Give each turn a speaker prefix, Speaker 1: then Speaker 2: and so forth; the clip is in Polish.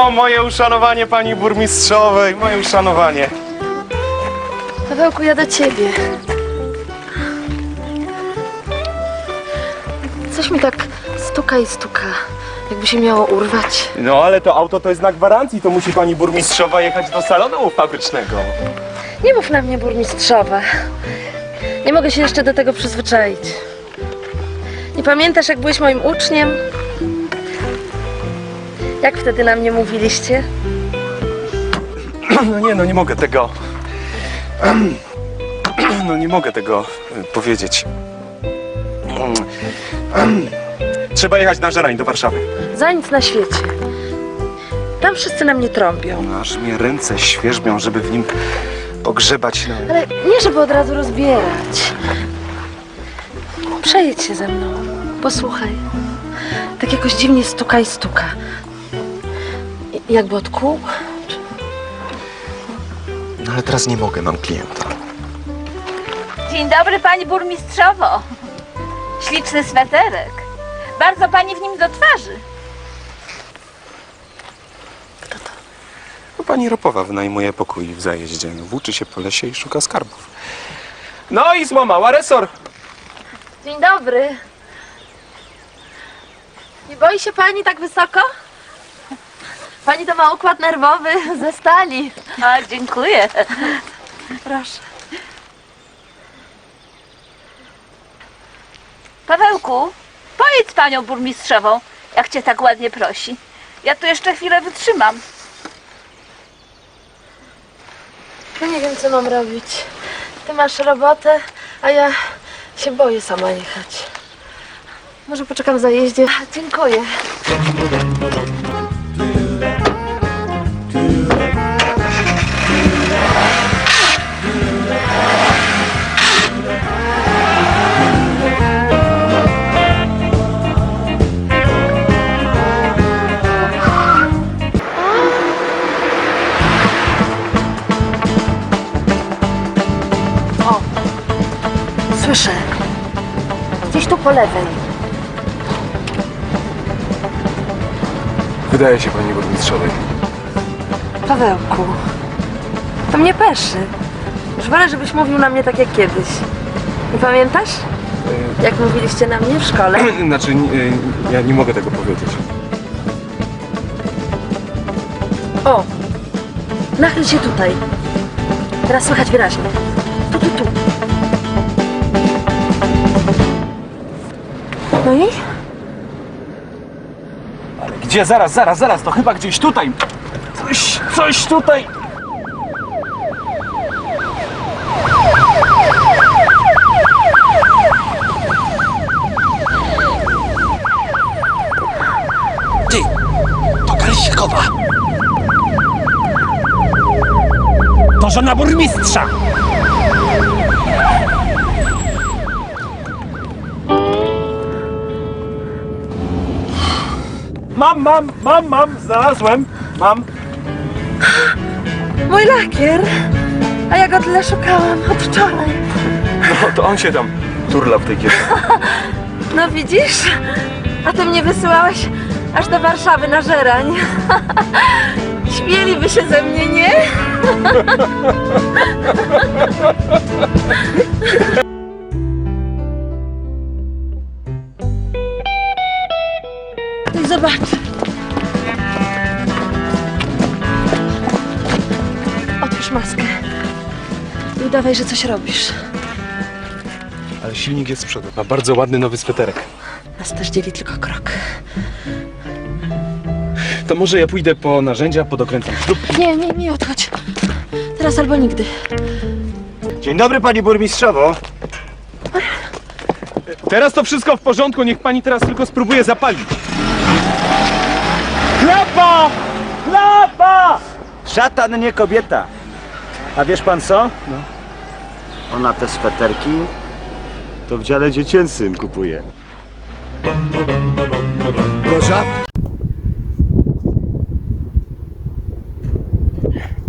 Speaker 1: O, moje uszanowanie pani burmistrzowej, moje uszanowanie.
Speaker 2: Pawełku, ja do ciebie. Coś mi tak stuka i stuka, jakby się miało urwać.
Speaker 1: No ale to auto to jest znak gwarancji, to musi pani burmistrzowa jechać do salonu fabrycznego.
Speaker 2: Nie mów na mnie burmistrzowa. Nie mogę się jeszcze do tego przyzwyczaić. Nie pamiętasz, jak byłeś moim uczniem? Jak wtedy na mnie mówiliście?
Speaker 1: No nie, no nie mogę tego... No nie mogę tego powiedzieć. Trzeba jechać na Żerań do Warszawy.
Speaker 2: Za nic na świecie. Tam wszyscy na mnie trąbią.
Speaker 1: No, aż mnie ręce świerzbią, żeby w nim pogrzebać. No.
Speaker 2: Ale nie, żeby od razu rozbierać. Przejedź się ze mną. Posłuchaj. Tak jakoś dziwnie stuka i stuka. Jakby od kół.
Speaker 1: No ale teraz nie mogę, mam klienta.
Speaker 3: Dzień dobry, pani burmistrzowo. Śliczny sweterek. Bardzo pani w nim do twarzy.
Speaker 1: No, pani Ropowa wynajmuje pokój w zajeździe. No, włóczy się po lesie i szuka skarbów. No i złamała resor.
Speaker 2: Dzień dobry. Nie boi się pani tak wysoko? Pani to ma układ nerwowy ze stali.
Speaker 3: A, dziękuję.
Speaker 2: Proszę.
Speaker 3: Pawełku, pojedź z panią burmistrzową, jak cię tak ładnie prosi. Ja tu jeszcze chwilę wytrzymam.
Speaker 2: No nie wiem, co mam robić. Ty masz robotę, a ja się boję sama jechać. Może poczekam w zajeździe. Dziękuję. O, słyszę. Gdzieś tu po lewej.
Speaker 1: Wydaje się pani burmistrzowej.
Speaker 2: Pawełku, to mnie peszy. Już wolę, żebyś mówił na mnie tak jak kiedyś. Nie pamiętasz? Jak mówiliście na mnie w szkole?
Speaker 1: Znaczy, ja nie mogę tego powiedzieć.
Speaker 2: O! Nachyl się tutaj. Teraz słychać wyraźnie. Tu. No i?
Speaker 1: Ale gdzie? Zaraz, to chyba gdzieś tutaj. Coś tutaj.
Speaker 4: Ty, to Galsikowa. To żona burmistrza.
Speaker 1: Mam, znalazłem. Mam.
Speaker 2: Mój lakier! A ja go tyle szukałam od wczoraj.
Speaker 1: No to on się tam turla w tej kieszeni.
Speaker 2: No widzisz? A ty mnie wysyłałeś aż do Warszawy na Żerań. Śmieliby się ze mnie, nie? No i zobacz. Otwórz maskę. I udawaj, że coś robisz.
Speaker 1: Ale silnik jest z przodu. Ma bardzo ładny nowy sweterek.
Speaker 2: Nas też dzieli tylko krok.
Speaker 1: To może ja pójdę po narzędzia, podokręcam śrub.
Speaker 2: Nie odchodź. Teraz albo nigdy.
Speaker 4: Dzień dobry, pani burmistrzowo.
Speaker 1: Teraz to wszystko w porządku, niech pani teraz tylko spróbuje zapalić. Klapa!
Speaker 4: Szatan, nie kobieta. A wiesz pan co? No. Ona te sweterki to w dziale dziecięcym kupuje. Proszę?